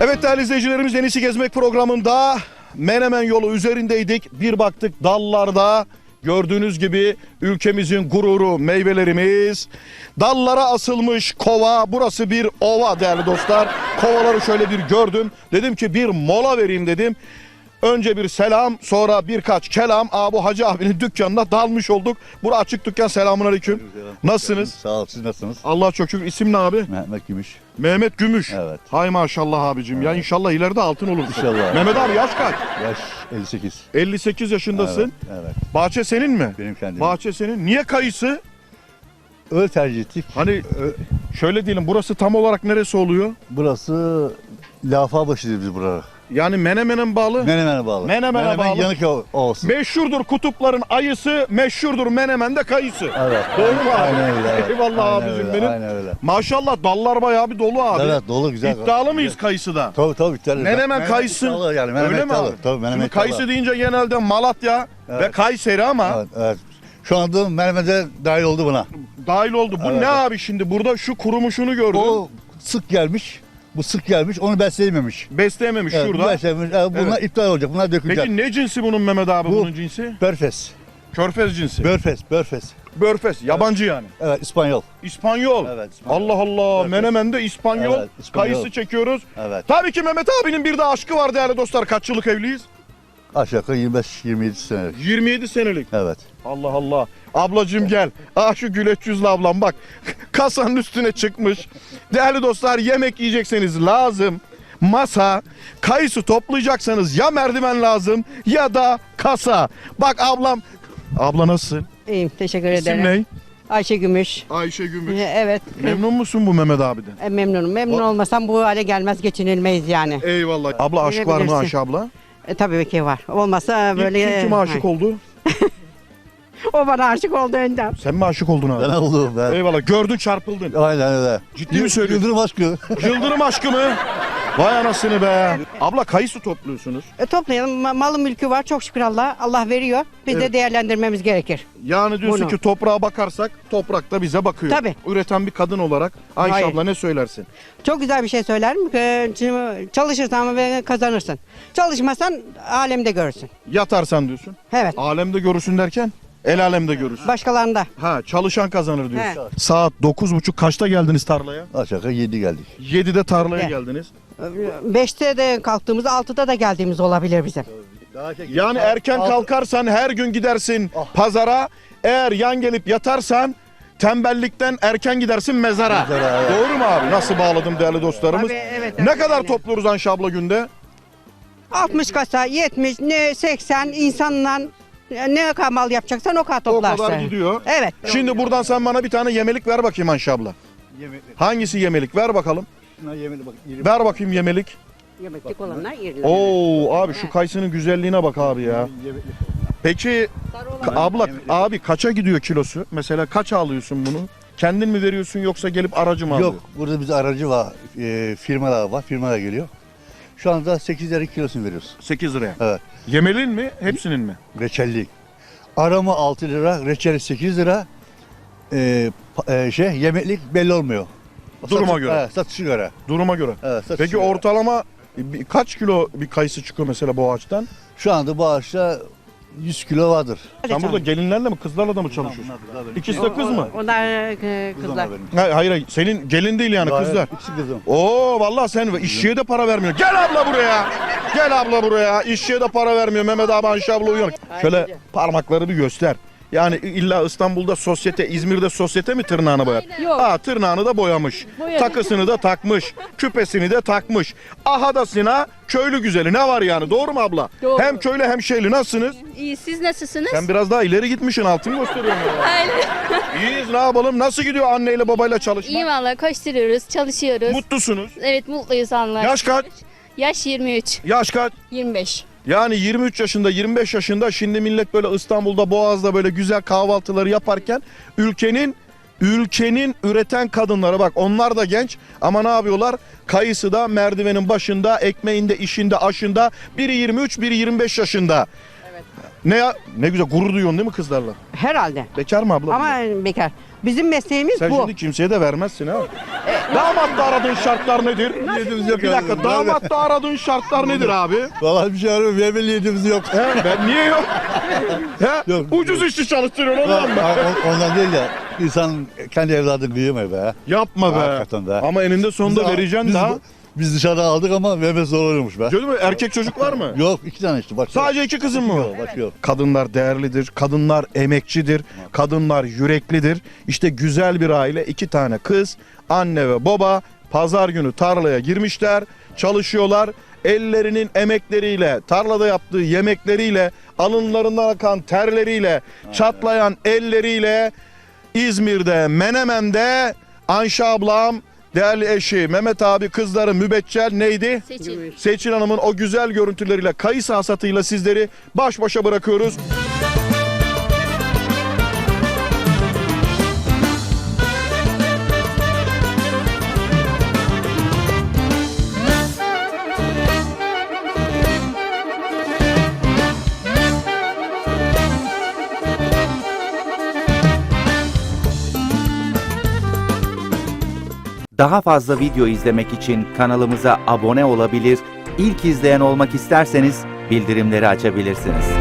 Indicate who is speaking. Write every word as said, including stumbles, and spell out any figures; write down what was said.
Speaker 1: Evet değerli izleyicilerimiz, En İyisi Gezmek programında Menemen yolu üzerindeydik. Bir baktık dallarda gördüğünüz gibi ülkemizin gururu meyvelerimiz. Dallara asılmış kova. Burası bir ova değerli dostlar. Kovaları şöyle bir gördüm. Dedim ki bir mola vereyim dedim. Önce bir selam, sonra birkaç kelam. Aa, bu Hacı abinin dükkanına dalmış olduk. Bura açık dükkan. Selamun aleyküm. Nasılsınız?
Speaker 2: Sağ ol, siz nasılsınız?
Speaker 1: Allah çok şükür. İsim ne abi?
Speaker 2: Mehmet Gümüş.
Speaker 1: Mehmet Gümüş.
Speaker 2: Evet.
Speaker 1: Hay maşallah abicim.
Speaker 2: Evet.
Speaker 1: Ya inşallah ileride altın olur.
Speaker 2: İnşallah.
Speaker 1: Mehmet abi yaş kaç?
Speaker 2: Yaş elli sekiz.
Speaker 1: elli sekiz yaşındasın.
Speaker 2: Evet, evet.
Speaker 1: Bahçe senin mi?
Speaker 2: Benim kendim.
Speaker 1: Bahçe senin. Niye kayısı?
Speaker 2: Öyle tercih ettik.
Speaker 1: Hani
Speaker 2: Ö-
Speaker 1: şöyle diyelim, burası tam olarak neresi oluyor?
Speaker 2: Burası Lafabaşı'dır biz burada.
Speaker 1: Yani Menemen'e bağlı.
Speaker 2: Menemen'e bağlı.
Speaker 1: Menemen'e
Speaker 2: Menemen
Speaker 1: bağlı.
Speaker 2: yanık o- olsun.
Speaker 1: Meşhurdur kutupların ayısı, meşhurdur Menemen'de kayısı.
Speaker 2: Evet.
Speaker 1: Doğru mu abi?
Speaker 2: Aynen öyle. Evet.
Speaker 1: Eyvallah
Speaker 2: Aynen
Speaker 1: abicim
Speaker 2: öyle,
Speaker 1: benim.
Speaker 2: Aynen öyle.
Speaker 1: Maşallah dallar bayağı bir dolu abi.
Speaker 2: Evet, dolu güzel.
Speaker 1: İddialı mıyız kayısıda?
Speaker 2: Tabii tabii. iddialı.
Speaker 1: Menemen kayısı.
Speaker 2: iddialı yani. Menemen
Speaker 1: Öyle mi
Speaker 2: iddialı.
Speaker 1: abi?
Speaker 2: Tabii menemen
Speaker 1: Şimdi kayısı
Speaker 2: iddialı.
Speaker 1: deyince genelde Malatya ve
Speaker 2: Evet.
Speaker 1: Kayseri ama
Speaker 2: Evet, evet. Şu anda Menemen'de dahil oldu buna.
Speaker 1: dahil oldu. Bu
Speaker 2: Evet.
Speaker 1: ne abi şimdi? Burada şu kurumuşunu gördüm.
Speaker 2: O sık gelmiş. Bu sık gelmiş. Onu besleyememiş.
Speaker 1: Besleyememiş
Speaker 2: Evet,
Speaker 1: şurada.
Speaker 2: besleyememiş. Evet, bunlar
Speaker 1: Evet.
Speaker 2: iptal olacak. Bunlar dökülecek.
Speaker 1: Peki ne cinsi bunun Mehmet abi,
Speaker 2: Bu-
Speaker 1: bunun cinsi?
Speaker 2: Börfes.
Speaker 1: Körfez cinsi.
Speaker 2: Börfes. Börfes.
Speaker 1: Börfes. Yabancı yani.
Speaker 2: Evet, İspanyol.
Speaker 1: İspanyol.
Speaker 2: Evet, İspanyol.
Speaker 1: Allah Allah.
Speaker 2: Börfes.
Speaker 1: Menemen'de İspanyol.
Speaker 2: Evet, İspanyol.
Speaker 1: Kayısı çekiyoruz.
Speaker 2: Evet.
Speaker 1: Tabii ki Mehmet abinin bir de aşkı var değerli dostlar. Kaç yıllık evliyiz?
Speaker 2: Aşağı yukarı yirmi beş yirmi yedi senelik.
Speaker 1: yirmi yedi senelik.
Speaker 2: Evet.
Speaker 1: Allah Allah. Ablacığım gel. Ah şu güleç yüzlü ablam bak. Kasanın üstüne çıkmış. Değerli dostlar, yemek yiyecekseniz lazım masa, kayısı toplayacaksanız ya merdiven lazım ya da kasa. Bak ablam. Abla nasılsın?
Speaker 3: İyiyim, teşekkür
Speaker 1: İsim
Speaker 3: ederim.
Speaker 1: ne?
Speaker 3: Ayşe Gümüş.
Speaker 1: Ayşe Gümüş.
Speaker 3: Ee, Evet,
Speaker 1: Memnun musun bu Mehmet abiden?
Speaker 3: e, memnunum. Memnun
Speaker 1: O-
Speaker 3: olmasam bu hale gelmez, geçinilmeyiz yani.
Speaker 1: Eyvallah. Abla aşk var mı
Speaker 3: Bilebilirsin.
Speaker 1: Ayşe abla?
Speaker 3: E, tabii ki var. Olmasa böyle...
Speaker 1: İlk kim kime aşık
Speaker 3: Ha.
Speaker 1: oldu?
Speaker 3: O bana aşık oldu önden.
Speaker 1: Sen mi aşık oldun abi?
Speaker 2: Ben oldum ben.
Speaker 1: Eyvallah. Gördün çarpıldın.
Speaker 2: Aynen öyle.
Speaker 1: Ciddi mi söylüyorsun?
Speaker 2: Yıldırım aşkı.
Speaker 1: Yıldırım aşkı mı? Vay anasını be. Abla kayısı topluyorsunuz.
Speaker 3: E, toplayalım. Ma- Malı mülkü var. Çok şükür Allah. Allah veriyor. Biz
Speaker 1: Evet.
Speaker 3: de değerlendirmemiz gerekir.
Speaker 1: Yani diyorsun
Speaker 3: Bunu.
Speaker 1: ki toprağa bakarsak toprak da bize bakıyor.
Speaker 3: Tabii.
Speaker 1: Üreten bir kadın olarak Ayşe
Speaker 3: Hayır.
Speaker 1: abla ne söylersin?
Speaker 3: Çok güzel bir şey söylerim. E, ç- Çalışırsan ve kazanırsın. Çalışmasan alemde görürsün.
Speaker 1: Yatarsan diyorsun.
Speaker 3: Evet.
Speaker 1: Alemde görürsün derken el alemde görürsün.
Speaker 3: Başkalarında.
Speaker 1: Ha, çalışan kazanır diyorsun. Saat dokuz buçuk kaçta geldiniz tarlaya?
Speaker 2: Aşağı yukarı yedi geldik.
Speaker 1: yedide tarlaya
Speaker 3: Gel.
Speaker 1: geldiniz.
Speaker 3: Beşte de kalktığımız, altıda da geldiğimiz olabilir bizim.
Speaker 1: Yani erken kalkarsan her gün gidersin
Speaker 2: Ah.
Speaker 1: pazara. Eğer yan gelip yatarsan tembellikten erken gidersin mezara.
Speaker 2: Mezara, evet.
Speaker 1: Doğru mu abi? Nasıl bağladım değerli dostlarımız?
Speaker 3: Tabii, evet,
Speaker 1: Ne
Speaker 3: evet,
Speaker 1: kadar
Speaker 3: aynen.
Speaker 1: topluyoruz Ayşe abla günde?
Speaker 3: altmış kasa, yetmiş, ne seksen insanla ne kadar mal yapacaksan o kadar
Speaker 1: O
Speaker 3: toplarsın.
Speaker 1: kadar gidiyor.
Speaker 3: Evet.
Speaker 1: Şimdi buradan sen bana bir tane yemelik ver bakayım Ayşe abla. Hangisi yemelik? Ver bakalım. Ver bakayım yemelik.
Speaker 3: Yemeklik olanlar yerler.
Speaker 1: Oo abi şu kayısının güzelliğine bak abi ya. Peki ka- abla abi kaça gidiyor kilosu? Mesela kaç alıyorsun bunu? Kendin mi veriyorsun yoksa gelip aracı mı alıyor?
Speaker 2: Yok, burada bir aracı var, e, firmalar var, firmalar geliyor. Şu anda sekiz lira kilosunu veriyoruz.
Speaker 1: sekiz liraya.
Speaker 2: Evet,
Speaker 1: Yemelin mi? Hepsinin mi?
Speaker 2: reçellik. Arama altı lira, reçeli sekiz lira. E, pa- e, şey, yemeklik belli olmuyor.
Speaker 1: Duruma
Speaker 2: Satış-
Speaker 1: göre.
Speaker 2: Evet, satışı göre.
Speaker 1: Duruma göre.
Speaker 2: Evet, satışı
Speaker 1: Peki
Speaker 2: göre.
Speaker 1: ortalama bir- kaç kilo bir kayısı çıkıyor mesela bu ağaçtan?
Speaker 2: Şu anda bu ağaçta yüz kilo vardır.
Speaker 1: Sen burada gelinlerle mi kızlarla da mı çalışıyorsun? İkisi de kız mı?
Speaker 3: Onlar e, kızlar.
Speaker 1: Hayır hayır hayır. Senin gelin değil yani kızlar.
Speaker 2: İkisi kızım.
Speaker 1: Oo vallahi sen işçiye de para vermiyor. Gel abla buraya. Gel abla buraya. İşçiye de para vermiyor. Mehmet abi Ayşe abla uyuyor. Şöyle parmakları bir göster. Yani illa İstanbul'da sosyete, İzmir'de sosyete mi tırnağını boyar?
Speaker 4: Yok.
Speaker 1: Ha tırnağını da boyamış.
Speaker 4: Boyadı.
Speaker 1: Takısını da takmış. Küpesini de takmış. Ahadasına köylü güzeli ne var yani? Doğru mu abla?
Speaker 4: Doğru.
Speaker 1: Hem köylü hem şeyli. Nasılsınız?
Speaker 4: İyi, siz nasılsınız?
Speaker 1: Sen biraz daha ileri gitmişsin. Altını gösteriyorsun. ya.
Speaker 4: Aynen.
Speaker 1: İyiyiz, ne yapalım? Nasıl gidiyor anneyle babayla çalışmak?
Speaker 4: İyi valla, koşturuyoruz, çalışıyoruz.
Speaker 1: Mutlusunuz.
Speaker 4: Evet, mutluyuz Allah.
Speaker 1: Yaş kaç?
Speaker 4: Yaş yirmi üç,
Speaker 1: Yaş kaç?
Speaker 4: yirmi beş.
Speaker 1: Yani yirmi üç yaşında, yirmi beş yaşında şimdi millet böyle İstanbul'da, Boğaz'da böyle güzel kahvaltıları yaparken ülkenin ülkenin üreten kadınları bak onlar da genç ama ne yapıyorlar? Kayısı da merdivenin başında, ekmeğinde, işinde, aşında. Biri yirmi üç, biri yirmi beş yaşında.
Speaker 3: Evet.
Speaker 1: Ne ya? Ne güzel gurur duyuyorsun değil mi kızlarla?
Speaker 3: Herhalde.
Speaker 1: Bekar mı abla?
Speaker 3: Ama bekar. Bizim mesleğimiz
Speaker 1: Sen
Speaker 3: bu.
Speaker 1: şimdi kimseye de vermezsin ha. Damatta aradığın şartlar nedir?
Speaker 2: Niyetimiz yok.
Speaker 1: Bir dakika, damatta aradığın şartlar nedir abi?
Speaker 2: Vallahi bir şey arıyorum. Verme niyetimiz yok.
Speaker 1: He, ben niye yok? He?
Speaker 2: Yok.
Speaker 1: Ucuz işçi çalıştırıyorsun ondan mı?
Speaker 2: Ha, on- Ondan değil de insan kendi evladını büyüme be.
Speaker 1: Yapma be.
Speaker 2: Hakikaten de.
Speaker 1: Ama eninde sonunda
Speaker 2: Biz-
Speaker 1: vereceksin
Speaker 2: biz,
Speaker 1: daha.
Speaker 2: Biz dışarıda aldık ama vermesi zor oluyormuş be.
Speaker 1: Gördün mü? Erkek çocuk var mı?
Speaker 2: Yok iki tane işte. Başka
Speaker 1: Sadece iki kızın mı?
Speaker 2: yok. Başka yok.
Speaker 1: Kadınlar değerlidir, kadınlar emekçidir, kadınlar yüreklidir. İşte güzel bir aile, iki tane kız, anne ve baba pazar günü tarlaya girmişler, çalışıyorlar. Ellerinin emekleriyle, tarlada yaptığı yemekleriyle, alınlarından akan terleriyle, çatlayan elleriyle İzmir'de, Menemen'de Ayşe ablam, değerli eşi Mehmet abi, kızları Mübeccel neydi?
Speaker 4: Seçil.
Speaker 1: Seçil Hanım'ın o güzel görüntüleriyle, kayısı hasatıyla sizleri baş başa bırakıyoruz.
Speaker 5: Daha fazla video izlemek için kanalımıza abone olabilir, ilk izleyen olmak isterseniz bildirimleri açabilirsiniz.